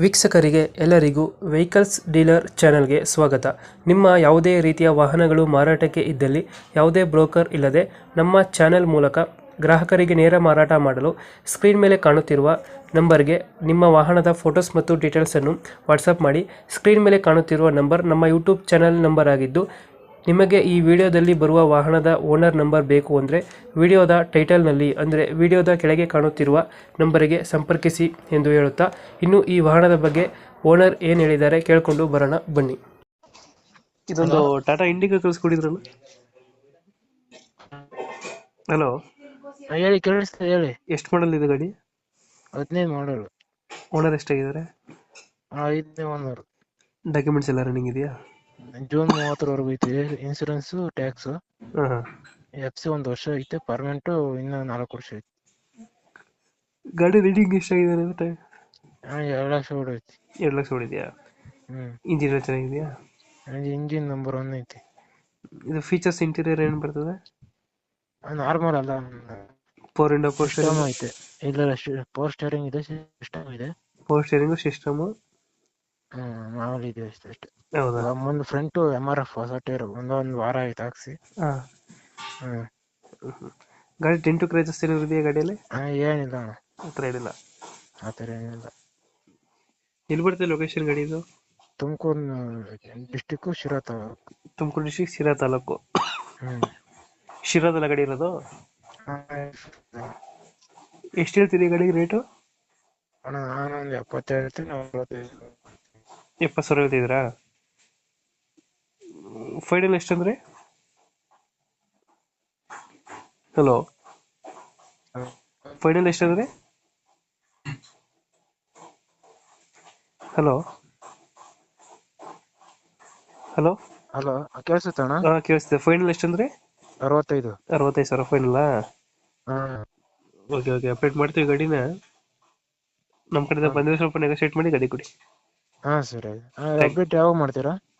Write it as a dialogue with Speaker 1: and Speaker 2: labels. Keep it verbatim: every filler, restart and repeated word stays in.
Speaker 1: ವೀಕ್ಷಕರಿಗೆ ಎಲ್ಲರಿಗೂ vehicles dealer ಚಾನೆಲ್ಗೆ ಸ್ವಾಗತ. ನಿಮ್ಮ ಯಾವುದೇ ರೀತಿಯ ವಾಹನಗಳು ಮಾರಾಟಕ್ಕೆ ಇದ್ದಲ್ಲಿ ಯಾವುದೇ ಬ್ರೋಕರ್ ಇಲ್ಲದೆ ನಮ್ಮ ಚಾನೆಲ್ ಮೂಲಕ ಗ್ರಾಹಕರಿಗೆ ನೇರ ಮಾರಾಟ ಮಾಡಲು ಸ್ಕ್ರೀನ್ ಮೇಲೆ ಕಾಣುತ್ತಿರುವ ನಂಬರ್ಗೆ ನಿಮ್ಮ ವಾಹನದ ಫೋಟೋಸ್ ಮತ್ತು ಡೀಟೇಲ್ಸನ್ನು ವಾಟ್ಸಪ್ ಮಾಡಿ. ಸ್ಕ್ರೀನ್ ಮೇಲೆ ಕಾಣುತ್ತಿರುವ ನಂಬರ್ ನಮ್ಮ ಯೂಟ್ಯೂಬ್ ಚಾನೆಲ್ ನಂಬರ್ ಆಗಿದ್ದು, ನಿಮಗೆ ಈ ವಿಡಿಯೋದಲ್ಲಿ ಬರುವ ವಾಹನದ ಓನರ್ ನಂಬರ್ ಬೇಕು ಅಂದರೆ ವಿಡಿಯೋದ ಟೈಟಲ್ನಲ್ಲಿ ಅಂದರೆ ವಿಡಿಯೋದ ಕೆಳಗೆ ಕಾಣುತ್ತಿರುವ ನಂಬರಿಗೆ ಸಂಪರ್ಕಿಸಿ ಎಂದು ಹೇಳುತ್ತಾ, ಇನ್ನು ಈ ವಾಹನದ ಬಗ್ಗೆ ಓನರ್ ಏನು ಹೇಳಿದ್ದಾರೆ ಕೇಳಿಕೊಂಡು ಬರೋಣ ಬನ್ನಿ. ಇದೊಂದು ಟಾಟಾ ಇಂಡಿಗಾ ಕಳಿಸ್ಕೊಡಿದ್ರಲ್ಲ. ಹಲೋ
Speaker 2: ಹೇಳಿ, ಕೇಳಿಸ್ತದೆ ಹೇಳಿ.
Speaker 1: ಎಷ್ಟು ಮಾಡಲ್ ಇದೆ ಗಾಡಿ?
Speaker 2: ಹದಿನೈದು ಮಾಡಲು.
Speaker 1: ಓನರ್ ಎಷ್ಟಾಗಿದ್ದಾರೆ?
Speaker 2: ಐದನೇ ಓನರ್.
Speaker 1: ಡಾಕ್ಯುಮೆಂಟ್ಸ್ ಎಲ್ಲ ರನ್ನಿಂಗ್ ಇದೆಯಾ?
Speaker 2: ಜೂನ್ ಮೂವತ್ತರವರೆಗೂ ಐತಿ ಇನ್ಸೂರೆನ್ಸ್, ಟ್ಯಾಕ್ಸ್.
Speaker 1: ಹಾಂ ಹಾಂ.
Speaker 2: ಎಫ್ ಸಿ ಒಂದು ವರ್ಷ ಐತೆ, ಪರ್ಮನೆಂಟ್ ಇನ್ನ ನಾಲ್ಕು ವರ್ಷ ಐತಿ.
Speaker 1: ಗಾಡಿ ರೀಡಿಂಗ್ ಎಷ್ಟಾಗಿದೆ ಮತ್ತೆ?
Speaker 2: ಎರಡು ಲಕ್ಷ ಹೊಡೈತಿ.
Speaker 1: ಎರಡು ಲಕ್ಷ ಹೊಡಿದ್ಯಾ?
Speaker 2: ಹ್ಮ್.
Speaker 1: ಇಂಜಿನ್ ಚೆನ್ನಾಗಿದೆಯಾ?
Speaker 2: ಇಂಜಿನ್ ನಂಬರ್ ಒನ್ ಐತಿ.
Speaker 1: ಇದು ಫೀಚರ್ಸ್ ಇಂಟೀರಿಯರ್ ಏನು ಬರ್ತದೆ?
Speaker 2: ನಾರ್ಮಲ್ ಅಲ್ಲ,
Speaker 1: ಫೋರ್ ಇಂಡೋ ಫೋರ್
Speaker 2: ಸಿಸ್ಟಮ್ ಐತೆ. ಇಲ್ಲ, ಪವರ್ ಸ್ಟೇರಿಂಗ್ ಇದೆ, ಸಿಸ್ಟಮ್ ಇದೆ.
Speaker 1: ಪವರ್ ಸ್ಟೇರಿಂಗು ಸಿಸ್ಟಮು
Speaker 2: ಹ್ಮ್, ಮಾಮೂಲಿ ಇದೆ ಅಷ್ಟೇ.
Speaker 1: ಹೌದಾ?
Speaker 2: ಮುಂದೆ ಫ್ರಂಟ್ ಎಮ್ ಆರ್ ಎಫ್ ಹೊಸ ಟೈರ್ ಒಂದೊಂದು ವಾರ ಆಯ್ತು ಹಾಕ್ಸಿ.
Speaker 1: ಹಾಂ.
Speaker 2: ಹ್ಮ್.
Speaker 1: ಗಾಡಿ ಟೆಂಟು ಕ್ರೈಸಸ್ ಏನಾದ್ರು ಇದೆಯಾ ಗಾಡಿಯಲ್ಲಿ?
Speaker 2: ಏನಿಲ್ಲ ಅಣ್ಣ,
Speaker 1: ಆ ಥರ ಏನಿಲ್ಲ.
Speaker 2: ಆ ಥರ ಏನಿಲ್ಲ.
Speaker 1: ಎಲ್ಲಿ ಬರ್ತದೆ ಲೊಕೇಶನ್ ಗಾಡಿ ಇದು?
Speaker 2: ತುಮಕೂರು ಡಿಸ್ಟಿಕ್, ಶಿರಾ ತಾಲೂಕು.
Speaker 1: ತುಮಕೂರು ಡಿಸ್ಟ್ರಿಕ್ಟ್, ಶಿರಾ ತಾಲೂಕು.
Speaker 2: ಹ್ಮ್.
Speaker 1: ಶಿರಾದಲ್ಲ ಗಾಡಿ ಇರೋದು? ಎಷ್ಟು ಹೇಳ್ತೀರಿ ಗಾಡಿಗೆ ರೇಟು?
Speaker 2: ಅಣ್ಣ ನಾನೊಂದು ಎಪ್ಪತ್ತು ಹೇಳ್ತೀನಿ, ನಲವತ್ತೈದು.
Speaker 1: ಎಪ್ಪತ್ತು ಸಾವಿರ ಹೇಳ್ತಿದ್ದೀರಾ? ಫೈನಲ್ ಎಷ್ಟಂದ್ರೆ? ಹಲೋ, ಫೈನಲ್ ಎಷ್ಟಂದ್ರೆ? ಹಲೋ ಹಲೋ
Speaker 2: ಹಲೋ, ಕೇಳಿಸುತ್ತೆ ಅಣ್ಣ?
Speaker 1: ಹಾಂ ಕೇಳಿಸ್ತಿದೆ. ಫೈನಲ್ ಎಷ್ಟಂದ್ರೆ?
Speaker 2: ಅರವತ್ತೈದು.
Speaker 1: ಅರವತ್ತೈದು ಸಾವಿರ ಫೈನಲ್ಲಾ?
Speaker 2: ಹಾ.
Speaker 1: ಓಕೆ ಓಕೆ, ಅಪ್ಡೇಟ್ ಮಾಡ್ತೀವಿ ಗಾಡಿನ. ನಮ್ಮ ಕಡೆಯಿಂದ ಬಂದರೆ ಸ್ವಲ್ಪ ನೆಗೋಶಿಯೇಟ್ ಮಾಡಿ ಗಾಡಿ ಕೊಡಿ.
Speaker 2: ಹಾ ಸರಿ. ಅಪ್ಡೇಟ್ ಯಾವಾಗ ಮಾಡ್ತೀರಾ?